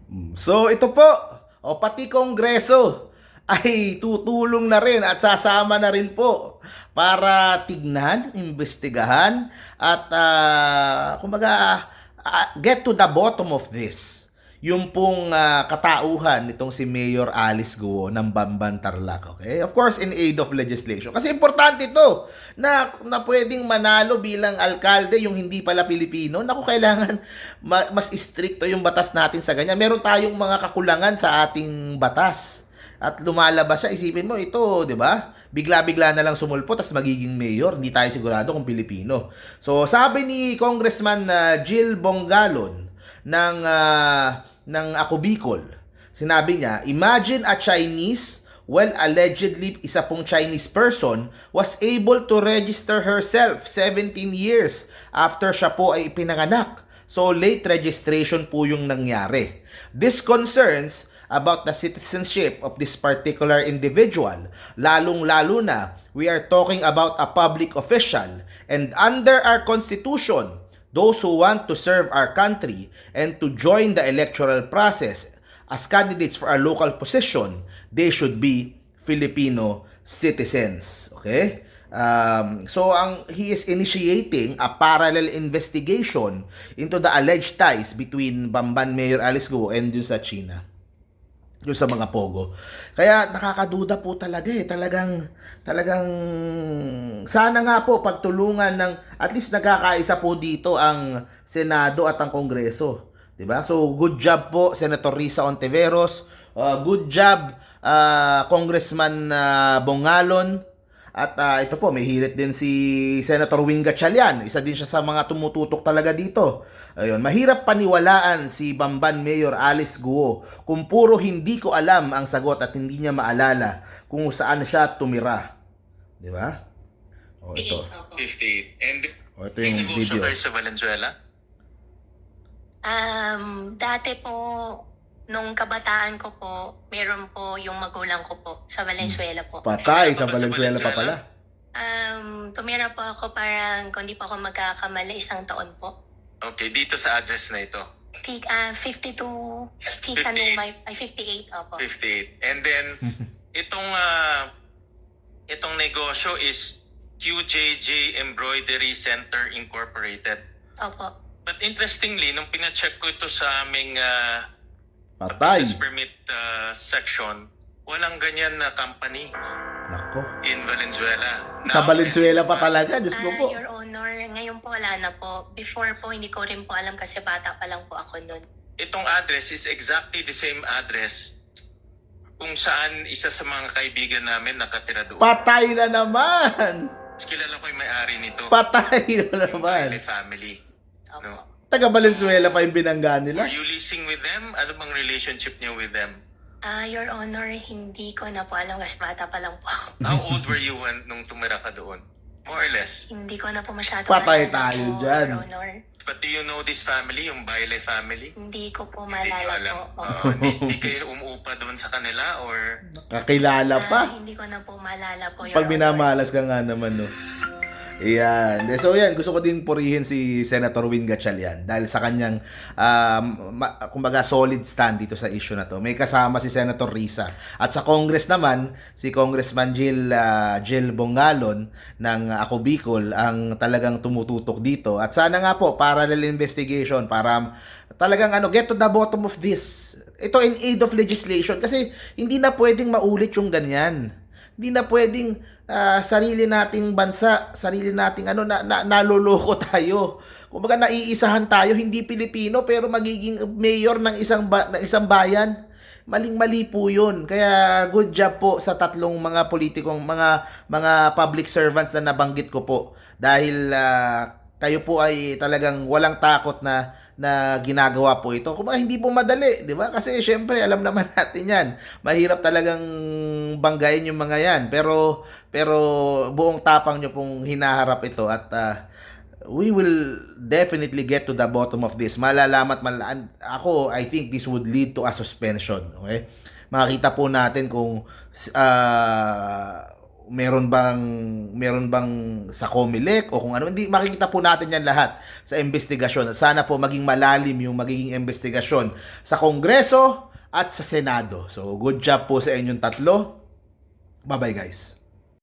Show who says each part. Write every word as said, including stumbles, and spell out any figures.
Speaker 1: Mm. So ito po, o pati Kongreso ay tutulong na rin at sasama na rin po para tignan, imbestigahan at uh, kumbaga uh, get to the bottom of this. Yung pong uh, katauhan nitong si Mayor Alice Guo ng Bamban Tarlac, okay? Of course, in aid of legislation. Kasi importante ito na, na pwedeng manalo bilang alkalde yung hindi pala Pilipino. Naku, kailangan ma- mas stricto yung batas natin sa ganyan. Meron tayong mga kakulangan sa ating batas. At lumalabas siya, isipin mo, ito, di ba? Bigla-bigla na lang sumulpo, tas magiging mayor. Hindi tayo sigurado kung Pilipino. So, sabi ni Congressman uh, Jill Bongalon ng... Uh, ng Ako Bicol. Sinabi niya, imagine a Chinese, well, allegedly isa pong Chinese person, was able to register herself seventeen years after siya po ay ipinanganak. So, late registration po yung nangyari. This concerns about the citizenship of this particular individual. Lalong-lalo na, we are talking about a public official. And under our constitution, those who want to serve our country and to join the electoral process as candidates for a local position, they should be Filipino citizens. Okay? Um, so, ang, he is initiating a parallel investigation into the alleged ties between Bamban Mayor Alice Guo and dun sa China. Yung sa mga pogo. Kaya nakakaduda po talaga eh. Talagang, talagang, sana nga po pagtulungan ng, at least nagkakaisa po dito ang Senado at ang Kongreso. Diba? So, good job po, Senator Risa Ontiveros. Uh, good job, uh, Congressman uh, Bongalon. At uh, ito po, may hirit din si Senator Wing Gatchalian. Isa din siya sa mga tumututok talaga dito. Ayun, mahirap paniwalaan si Bamban Mayor Alice Guo kung puro hindi ko alam ang sagot at hindi niya maalala kung saan siya tumira. Di ba? O ito.
Speaker 2: fifty-eight. And
Speaker 1: O ito yung
Speaker 2: may
Speaker 1: video.
Speaker 2: kayo sa Valenzuela?
Speaker 3: Um, dati po, nung kabataan ko po, meron po yung magulang ko po sa Valenzuela po.
Speaker 1: Patay, sa
Speaker 2: Tumira pa ba sa
Speaker 1: Valenzuela pa
Speaker 2: Valenzuela?
Speaker 1: pala.
Speaker 3: Um, tumira po ako parang, kung di po ako magkakamali, isang taon po.
Speaker 2: Okay, dito sa address na ito.
Speaker 3: T- uh, fifty-two, Tika Numay, ay fifty-eight, opo.
Speaker 2: fifty-eight. And then, itong uh, itong negosyo is Q J J Embroidery Center Incorporated.
Speaker 3: Opo.
Speaker 2: But interestingly, nung pina-check ko ito sa aming uh,
Speaker 1: Patay.
Speaker 2: business permit uh, section, walang ganyan na company
Speaker 1: Nako.
Speaker 2: in Valenzuela.
Speaker 1: Sa
Speaker 2: Now,
Speaker 1: Valenzuela pa talaga, Diyos ko
Speaker 3: Ah,
Speaker 1: po.
Speaker 3: Your Honor, ngayon po wala na po. Before po, hindi ko rin po alam kasi bata pa lang po ako nun.
Speaker 2: Itong address is exactly the same address kung saan isa sa mga kaibigan namin nakatira doon.
Speaker 1: Patay na naman.
Speaker 2: Kilala ko yung may-ari nito.
Speaker 1: Patay na
Speaker 2: Yung
Speaker 1: naman.
Speaker 2: Bailey family.
Speaker 3: Opo.
Speaker 2: No?
Speaker 1: Taga Valenzuela pa yung binangga nila.
Speaker 2: Are you leasing with them? Ano bang relationship niyo with them?
Speaker 3: Ah, Your Honor, hindi ko na po alam kasi bata pa lang po ako.
Speaker 2: How old were you when, nung tumira ka doon? More or less.
Speaker 3: Hindi ko na po masyado
Speaker 1: Patay
Speaker 3: maalala
Speaker 1: tayo
Speaker 3: po,
Speaker 1: dyan.
Speaker 3: Your Honor.
Speaker 2: But do you know this family, yung Bailey family?
Speaker 3: Hindi ko po
Speaker 2: Hindi niyo
Speaker 3: maalala
Speaker 2: alam.
Speaker 3: po.
Speaker 2: Oo, Hindi hindi kayo umuupa doon sa kanila or...
Speaker 1: Kakilala
Speaker 3: Ah,
Speaker 1: pa.
Speaker 3: hindi ko na po maalala po, Your
Speaker 1: Pag
Speaker 3: Honor.
Speaker 1: minamalas ka nga naman, no. Ayan. So, yan. Gusto ko din purihin si Senator Win Gatchalian dahil sa kanyang, um, ma- kumbaga, solid stand dito sa issue na to. May kasama si Senator Risa. At sa Congress naman, si Congressman Jill, uh, Jill Bongalon ng Ako Bicol ang talagang tumututok dito. At sana nga po, parallel investigation para talagang ano, get to the bottom of this. Ito in aid of legislation kasi hindi na pwedeng maulit yung ganyan. Hindi na pwedeng ah, sarili nating bansa, sarili nating ano, na, na, naloloko tayo. Kumbaga naiisahan tayo, hindi Pilipino pero magiging mayor ng isang ba, ng isang bayan. Maling-mali po 'yun. Kaya good job po sa tatlong mga politikong mga mga public servants na nabanggit ko po dahil ah, kayo po ay talagang walang takot na na ginagawa po ito. Kung hindi po madali, di ba? Kasi syempre, alam naman natin yan. Mahirap talagang banggain yung mga yan. Pero, pero buong tapang nyo pong hinaharap ito at uh, we will definitely get to the bottom of this. Malalamat, mal ako, I think this would lead to a suspension. Okay? Makita po natin kung uh, meron bang meron bang sa COMELEC o kung ano, hindi makikita po natin yan lahat sa investigasyon. At sana po maging malalim yung magiging investigasyon sa Kongreso at sa Senado. So good job po sa inyong tatlo. Bye bye guys.